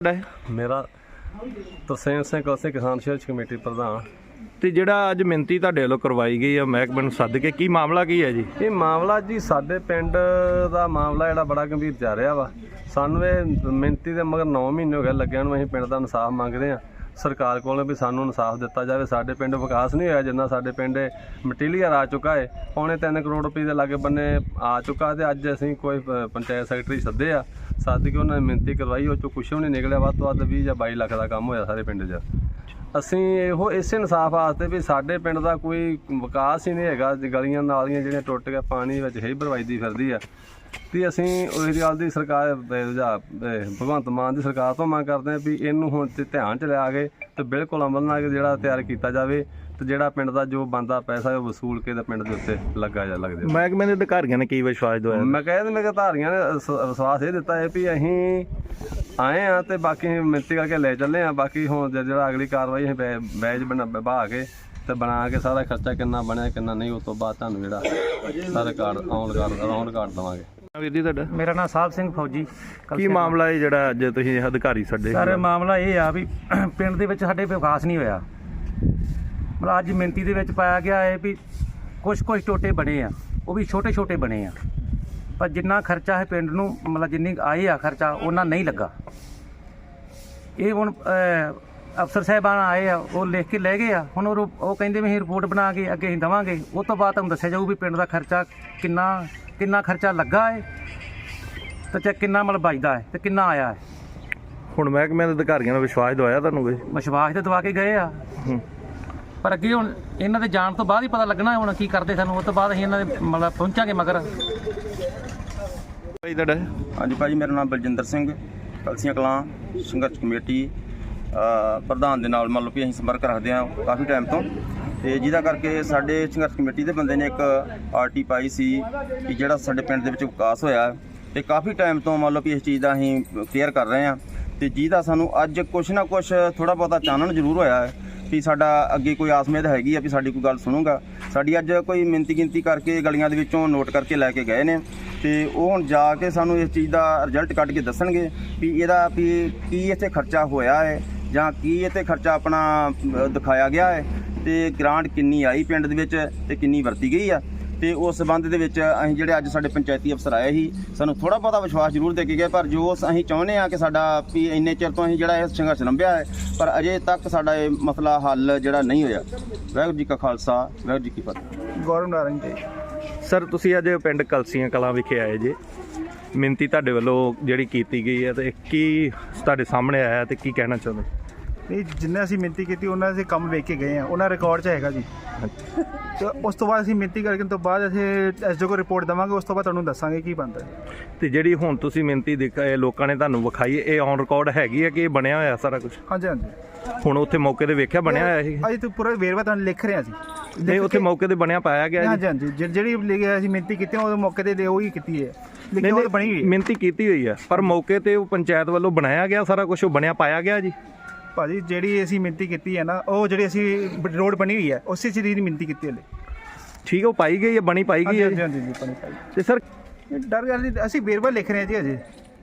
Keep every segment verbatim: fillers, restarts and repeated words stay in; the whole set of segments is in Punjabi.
ਮੇਰਾ ਤਰਸੇਮ ਸਿੰਘ ਕਲਸੀ ਕਿਸਾਨ ਸੰਘਰਸ਼ ਕਮੇਟੀ ਪ੍ਰਧਾਨ। ਤੇ ਜਿਹੜਾ ਅੱਜ ਮਿੰਤੀ ਤੁਹਾਡੇ ਵੱਲੋਂ ਕਰਵਾਈ ਗਈ ਆ ਮਹਿਕਮੇ ਨੂੰ ਸੱਦ ਕੇ, ਕੀ ਮਾਮਲਾ ਕੀ ਹੈ ਜੀ? ਇਹ ਮਾਮਲਾ ਜੀ ਸਾਡੇ ਪਿੰਡ ਦਾ ਮਾਮਲਾ ਜਿਹੜਾ ਬੜਾ ਗੰਭੀਰ ਜਾ ਰਿਹਾ ਵਾ। ਸਾਨੂੰ ਇਹ ਮਿੰਤੀ ਦੇ ਮਗਰ ਨੌ ਮਹੀਨੇ ਹੋ ਗਏ ਲੱਗਿਆ ਨੂੰ। ਅਸੀਂ ਪਿੰਡ ਦਾ ਇਨਸਾਫ ਮੰਗਦੇ ਹਾਂ ਸਰਕਾਰ ਕੋਲੋਂ ਵੀ ਸਾਨੂੰ ਇਨਸਾਫ ਦਿੱਤਾ ਜਾਵੇ। ਸਾਡੇ ਪਿੰਡ ਵਿਕਾਸ ਨਹੀਂ ਹੋਇਆ ਜਿੰਨਾ ਸਾਡੇ ਪਿੰਡ ਮਟੀਰੀਅਲ ਆ ਚੁੱਕਾ ਹੈ। ਪੌਣੇ ਤਿੰਨ ਕਰੋੜ ਰੁਪਏ ਦੇ ਲਾਗੇ ਬੰਨੇ ਆ ਚੁੱਕਾ। ਤੇ ਅੱਜ ਅਸੀਂ ਕੋਈ ਪੰਚਾਇਤ ਸੈਕਟਰੀ ਸੱਦੇ ਆ, ਸੱਦ ਕੇ ਉਹਨਾਂ ਨੇ ਮਿੰਤੀ ਕਰਵਾਈ। ਉਹ 'ਚੋਂ ਕੁਛ ਵੀ ਨਹੀਂ ਨਿਕਲਿਆ। ਵੱਧ ਤੋਂ ਵੱਧ ਵੀਹ ਜਾਂ ਬਾਈ ਲੱਖ ਦਾ ਕੰਮ ਹੋਇਆ ਸਾਰੇ ਪਿੰਡ 'ਚ। ਅਸੀਂ ਇਹੋ ਇਸੇ ਇਨਸਾਫ ਵਾਸਤੇ ਵੀ ਸਾਡੇ ਪਿੰਡ ਦਾ ਕੋਈ ਵਿਕਾਸ ਹੀ ਨਹੀਂ ਹੈਗਾ। ਗਲੀਆਂ ਨਾਲੀਆਂ ਜਿਹੜੀਆਂ ਟੁੱਟ ਕੇ ਪਾਣੀ ਵਿੱਚ ਹੀ ਬਰਬਾਦੀ ਫਿਰਦੀ ਆ। ਤੇ ਅਸੀਂ ਉਸ ਗੱਲ ਦੀ ਸਰਕਾਰ ਭਗਵੰਤ ਮਾਨ ਦੀ ਸਰਕਾਰ ਤੋਂ ਮੰਗ ਕਰਦੇ ਹਾਂ ਵੀ ਇਹਨੂੰ ਹੁਣ ਤੇ ਧਿਆਨ 'ਚ ਲਿਆ ਕੇ ਤੇ ਬਿਲਕੁਲ ਅਮਲ ਨਾਲ ਜਿਹੜਾ ਤਿਆਰ ਕੀਤਾ ਜਾਵੇ ਤੇ ਜਿਹੜਾ ਪਿੰਡ ਦਾ ਜੋ ਬਣਦਾ ਪੈਸਾ ਉਹ ਵਸੂਲ ਕੇ ਤੇ ਪਿੰਡ ਦੇ ਉੱਤੇ ਲੱਗਾ ਜਾ ਲੱਗਦੇ। ਮਹਿਕਮੇ ਦੇ ਅਧਿਕਾਰੀਆਂ ਨੇ ਕੀ ਵਿਸ਼ਵਾਸ ਦਵਾਇਆ? ਮੈਂ ਕਹਿੰਦਾ ਮੇਰੇ ਅਧਿਕਾਰੀਆਂ ਨੇ ਵਿਸ਼ਵਾਸ ਇਹ ਦਿੱਤਾ ਹੈ ਵੀ ਅਸੀਂ ਆਏ ਹਾਂ ਤੇ ਬਾਕੀ ਮਿੰਤੀ ਕਰਕੇ ਲੈ ਚੱਲੇ ਹਾਂ। ਬਾਕੀ ਹੁਣ ਜਿਹੜਾ ਅਗਲੀ ਕਾਰਵਾਈ ਅਸੀਂ ਬੈ ਬੈਜ ਬਣਾ ਬਹਾ ਕੇ ਤੇ ਬਣਾ ਕੇ ਸਾਰਾ ਖਰਚਾ ਕਿੰਨਾ ਬਣਿਆ ਕਿੰਨਾ ਨਹੀਂ ਉਸ ਤੋਂ ਬਾਅਦ ਤੁਹਾਨੂੰ ਜਿਹੜਾ ਸਾਰਾ record on record on record ਦੇਵਾਂਗੇ। ਵੀਰ ਜੀ ਤੁਹਾਡਾ? ਮੇਰਾ ਨਾਮ ਸਾਹਿਬ ਸਿੰਘ ਫੌਜੀ। ਕੀ ਮਾਮਲਾ ਹੈ ਜਿਹੜਾ ਅੱਜ ਤੁਸੀਂ ਅਧਿਕਾਰੀ ਛੱਡੇ? ਸਰ ਮਾਮਲਾ ਇਹ ਆ ਵੀ ਪਿੰਡ ਦੇ ਵਿੱਚ ਸਾਡੇ ਵਿਕਾਸ ਨਹੀਂ ਹੋਇਆ। ਮਤਲਬ ਅੱਜ ਮਿੰਤੀ ਦੇ ਵਿੱਚ ਪਾਇਆ ਗਿਆ ਹੈ ਵੀ ਕੁਛ ਕੁਛ ਟੋਟੇ ਬਣੇ ਆ, ਉਹ ਵੀ ਛੋਟੇ ਛੋਟੇ ਬਣੇ ਆ, ਪਰ ਜਿੰਨਾ ਖਰਚਾ ਹੈ ਪਿੰਡ ਨੂੰ ਮਤਲਬ ਜਿੰਨੀ ਆਏ ਆ ਖਰਚਾ ਉਹਨਾਂ ਨਹੀਂ ਲੱਗਾ। ਇਹ ਹੁਣ ਅਫਸਰ ਸਾਹਿਬਾਨ ਆਏ ਆ, ਉਹ ਲਿਖ ਕੇ ਲੈ ਗਏ ਆ। ਹੁਣ ਉਹ ਉਹ ਕਹਿੰਦੇ ਵੀ ਅਸੀਂ ਰਿਪੋਰਟ ਬਣਾ ਕੇ ਅੱਗੇ ਅਸੀਂ ਦੇਵਾਂਗੇ। ਉਸ ਤੋਂ ਬਾਅਦ ਤੁਹਾਨੂੰ ਦੱਸਿਆ ਜਾਊ ਵੀ ਪਿੰਡ ਦਾ ਖਰਚਾ ਕਿੰਨਾ ਕਿੰਨਾ ਖਰਚਾ ਲੱਗਾ ਹੈ ਤੇ ਚੈੱਕ ਕਿੰਨਾ ਮਤਲਬ ਬਚਦਾ ਹੈ ਤੇ ਕਿੰਨਾ ਆਇਆ ਹੈ। ਹੁਣ ਮਹਿਕਮੇ ਦੇ ਅਧਿਕਾਰੀਆਂ ਨੇ ਵਿਸ਼ਵਾਸ ਦਵਾਇਆ ਤੁਹਾਨੂੰ? ਕੋਈ ਵਿਸ਼ਵਾਸ ਤੇ ਦਵਾ ਕੇ ਗਏ ਆ, ਪਰ ਅੱਗੇ ਹੁਣ ਇਹਨਾਂ ਦੇ ਜਾਣ ਤੋਂ ਬਾਅਦ ਹੀ ਪਤਾ ਲੱਗਣਾ ਹੁਣ ਕੀ ਕਰਦੇ ਸਾਨੂੰ। ਉਸ ਤੋਂ ਬਾਅਦ ਅਸੀਂ ਇਹਨਾਂ ਦੇ ਮਤਲਬ ਪਹੁੰਚਾਂਗੇ ਮਗਰ। ਭਾਈ ਤੁਹਾਡਾ? ਹਾਂਜੀ ਭਾਜੀ, ਮੇਰਾ ਨਾਮ ਬਲਜਿੰਦਰ ਸਿੰਘ, ਕਲਸੀਆਂ ਕਲਾਂ ਸੰਘਰਸ਼ ਕਮੇਟੀ ਪ੍ਰਧਾਨ ਦੇ ਨਾਲ ਮੰਨ ਲਓ ਵੀ ਅਸੀਂ ਸੰਪਰਕ ਰੱਖਦੇ ਹਾਂ ਕਾਫੀ ਟਾਈਮ ਤੋਂ। ਤੇ ਜਿਹਦਾ ਕਰਕੇ ਸਾਡੇ ਸੰਘਰਸ਼ ਕਮੇਟੀ ਦੇ ਬੰਦੇ ਨੇ ਇੱਕ ਆਰਟੀ ਪਾਈ ਸੀ ਕਿ ਜਿਹੜਾ ਸਾਡੇ ਪਿੰਡ ਦੇ ਵਿੱਚ ਵਿਕਾਸ ਹੋਇਆ ਤੇ ਕਾਫੀ ਟਾਈਮ ਤੋਂ ਮੰਨ ਲਓ ਵੀ ਇਸ ਚੀਜ਼ ਦਾ ਅਸੀਂ ਕੇਅਰ ਕਰ ਰਹੇ ਹਾਂ। ਤੇ ਜਿਹਦਾ ਸਾਨੂੰ ਅੱਜ ਕੁਛ ਨਾ ਕੁਛ ਥੋੜ੍ਹਾ ਬਹੁਤਾ ਚਾਨਣ ਜ਼ਰੂਰ ਹੋਇਆ ਹੈ ਵੀ ਸਾਡਾ ਅੱਗੇ ਕੋਈ ਆਸਮੇਦ ਹੈਗੀ ਆ ਵੀ ਸਾਡੀ ਕੋਈ ਗੱਲ ਸੁਣੂਗਾ। ਸਾਡੀ ਅੱਜ ਕੋਈ ਮਿੰਤੀ ਗਿਣਤੀ ਕਰਕੇ ਗਲੀਆਂ ਦੇ ਵਿੱਚੋਂ ਨੋਟ ਕਰਕੇ ਲੈ ਕੇ ਗਏ ਨੇ ਤੇ ਉਹ ਹੁਣ ਜਾ ਕੇ ਸਾਨੂੰ ਇਸ ਚੀਜ਼ ਦਾ ਰਿਜ਼ਲਟ ਕੱਢ ਕੇ ਦੱਸਣਗੇ ਵੀ ਇਹਦਾ ਵੀ ਕੀ ਇੱਥੇ ਖਰਚਾ ਹੋਇਆ ਹੈ ਜਾਂ ਕੀ ਇੱਥੇ ਖਰਚਾ ਆਪਣਾ ਦਿਖਾਇਆ ਗਿਆ ਹੈ ਤੇ ਗ੍ਰਾਂਟ ਕਿੰਨੀ ਆਈ ਪਿੰਡ ਦੇ ਵਿੱਚ ਤੇ ਕਿੰਨੀ ਵਰਤੀ ਗਈ ਆ। ਤੇ ਉਸ ਸੰਬੰਧ ਦੇ ਵਿੱਚ ਅਸੀਂ ਜਿਹੜੇ ਅੱਜ ਸਾਡੇ ਪੰਚਾਇਤੀ ਅਫਸਰ ਆਏ ਸੀ ਸਾਨੂੰ ਥੋੜ੍ਹਾ ਬਹੁਤਾ ਵਿਸ਼ਵਾਸ ਜ਼ਰੂਰ ਦੇ ਕੇ ਗਏ, ਪਰ ਜੋ ਅਸੀਂ ਚਾਹੁੰਦੇ ਹਾਂ ਕਿ ਸਾਡਾ ਵੀ ਇੰਨੇ ਚਿਰ ਤੋਂ ਅਸੀਂ ਜਿਹੜਾ ਇਹ ਸੰਘਰਸ਼ ਲੰਬਿਆ ਹੈ ਪਰ ਅਜੇ ਤੱਕ ਸਾਡਾ ਇਹ ਮਸਲਾ ਹੱਲ ਜਿਹੜਾ ਨਹੀਂ ਹੋਇਆ। ਵਾਹਿਗੁਰੂ ਜੀ ਕਾ ਖਾਲਸਾ, ਵਾਹਿਗੁਰੂ ਜੀ ਕੀ ਫਤਿਹ। ਗੌਰਵ ਨਾਰੰਗ ਜੀ। ਸਰ ਤੁਸੀਂ ਅੱਜ ਪਿੰਡ ਕਲਸੀਆਂ ਕਲਾਂ ਵਿਖੇ ਆਏ ਜੇ, ਮਿੰਤੀ ਤੁਹਾਡੇ ਵੱਲੋਂ ਜਿਹੜੀ ਕੀਤੀ ਗਈ ਹੈ ਤੇ ਕੀ ਤੁਹਾਡੇ ਸਾਹਮਣੇ ਆਇਆ ਤੇ ਕੀ ਕਹਿਣਾ ਚਾਹੁੰਦੇ? ਨਹੀਂ, ਜਿੰਨਾ ਅਸੀਂ ਮਿੰਤੀ ਕੀਤੀ ਉਹਨਾਂ ਦੇ ਕੰਮ ਵੇਖ ਕੇ ਗਏ ਆ, ਉਹਨਾਂ ਰਿਕਾਰਡ 'ਚ ਹੈਗਾ ਜੀ। ਤੇ ਉਸ ਤੋਂ ਬਾਅਦ ਅਸੀਂ ਮਿੰਤੀ ਕਰਕੇ ਤੋਂ ਬਾਅਦ ਅਸੀਂ ਐਸ ਡੀ ਓ ਕੋਲ ਰਿਪੋਰਟ ਦੇਵਾਂਗੇ। ਉਸ ਤੋਂ ਬਾਅਦ ਤੁਹਾਨੂੰ ਦੱਸਾਂਗੇ ਕੀ ਬਣਦਾ। ਤੇ ਜਿਹੜੀ ਹੁਣ ਤੁਸੀਂ ਮਿੰਤੀ ਦਿਖਾਏ ਲੋਕਾਂ ਨੇ ਤੁਹਾਨੂੰ ਵਿਖਾਈ, ਇਹ ਔਨ ਰਿਕਾਰਡ ਹੈਗੀ ਹੈ ਕਿ ਇਹ ਬਣਿਆ ਹੋਇਆ ਸਾਰਾ ਕੁਝ? ਹਾਂਜੀ ਹਾਂਜੀ। ਹੁਣ ਉੱਥੇ ਮੌਕੇ ਤੇ ਵੇਖਿਆ ਬਣਿਆ ਹੋਇਆ ਇਹ? ਅਸੀਂ ਤਾਂ ਪੂਰਾ ਵੇਰਵਾ ਤੁਹਾਨੂੰ ਲਿਖ ਰਹੇ ਹਾਂ ਜੀ। ਨਹੀਂ, ਉੱਥੇ ਮੌਕੇ ਤੇ ਬਣਿਆ ਪਾਇਆ ਗਿਆ? ਹਾਂਜੀ ਹਾਂਜੀ, ਜਿਹੜੀ ਲਿਖਿਆ ਅਸੀਂ ਮਿੰਤੀ ਕੀਤੀ ਉਹ ਮੌਕੇ ਤੇ ਉਹੀ ਕੀਤੀ ਹੈ, ਲੇਕਿਨ ਉਹ ਬਣੀ ਹੋਈ ਮਿੰਤੀ ਕੀਤੀ ਹੋਈ ਹੈ ਪਰ ਮੌਕੇ ਤੇ ਉਹ ਪੰਚਾਇਤ ਵੱਲੋਂ ਬਣਾਇਆ ਗਿਆ ਸਾਰਾ ਕੁਝ, ਉਹ ਬਣਿਆ ਪਾਇਆ ਗਿਆ ਜੀ? ਭਾਜੀ ਜਿਹੜੀ ਅਸੀਂ ਮਿੰਤੀ ਕੀਤੀ ਹੈ ਨਾ, ਉਹ ਜਿਹੜੀ ਅਸੀਂ ਰੋਡ ਬਣੀ ਹੋਈ ਹੈ ਉਸੇ ਚੀਜ਼ ਦੀ ਮਿੰਤੀ ਕੀਤੀ ਹਲੇ। ਠੀਕ ਹੈ, ਉਹ ਪਾਈ ਗਈ ਹੈ, ਬਣੀ ਪਾਈ ਗਈ ਹੈ? ਹਾਂਜੀ ਹਾਂਜੀ ਜੀ, ਬਣੀ ਪਾਈ। ਤੇ ਸਰ ਡਰ ਗੱਲ ਨਹੀਂ, ਅਸੀਂ ਵੇਰਵਾ ਲਿਖ ਰਹੇ ਹਾਂ ਜੀ ਅਜੇ।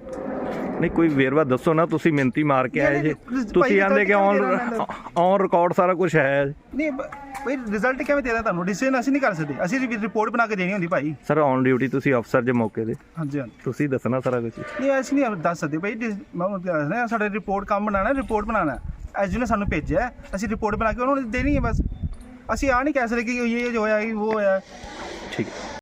ਨਹੀਂ, ਕੋਈ ਵੇਰਵਾ ਦੱਸੋ ਨਾ। ਤੁਸੀਂ ਮਿੰਤੀ ਮਾਰ ਕੇ ਆਏ ਜੇ, ਤੁਸੀਂ ਆਂਦੇ ਕਿ ਔਨ ਔਨ ਰਿਕਾਰਡ ਸਾਰਾ ਕੁਝ ਹੈ। ਨਹੀਂ ਭਾਈ, ਰਿਜ਼ਲਟ ਕਿਵੇਂ ਦੇਣਾ ਤੁਹਾਨੂੰ? ਡਿਸੀਜਨ ਅਸੀਂ ਨਹੀਂ ਕਰ ਸਕਦੇ, ਅਸੀਂ ਰਿਪੋਰਟ ਬਣਾ ਕੇ ਦੇਣੀ ਹੁੰਦੀ ਭਾਈ। ਸਰ ਔਨ ਡਿਊਟੀ ਤੁਸੀਂ ਅਫਸਰ ਜੇ ਮੌਕੇ ਦੇ, ਹਾਂਜੀ ਹਾਂਜੀ, ਤੁਸੀਂ ਦੱਸਣਾ ਸਾਰਾ ਕੁਝ। ਨਹੀਂ ਅਸੀਂ ਨਹੀਂ ਦੱਸ ਸਕਦੇ ਭਾਈ। ਮੈਂ ਦੱਸਣਾ ਸਾਡਾ ਰਿਪੋਰਟ ਕੰਮ ਬਣਾਉਣਾ, ਰਿਪੋਰਟ ਬਣਾਉਣਾ ਐਸ ਡੀ ਨੇ ਸਾਨੂੰ ਭੇਜਿਆ, ਅਸੀਂ ਰਿਪੋਰਟ ਬਣਾ ਕੇ ਉਹਨਾਂ ਨੂੰ ਦੇਣੀ ਹੈ ਬਸ। ਅਸੀਂ ਆ ਨਹੀਂ ਕਹਿ ਸਕਦੇ ਕਿ ਇਹ ਜੋ ਹੋਇਆ ਉਹ ਹੋਇਆ। ਠੀਕ ਹੈ।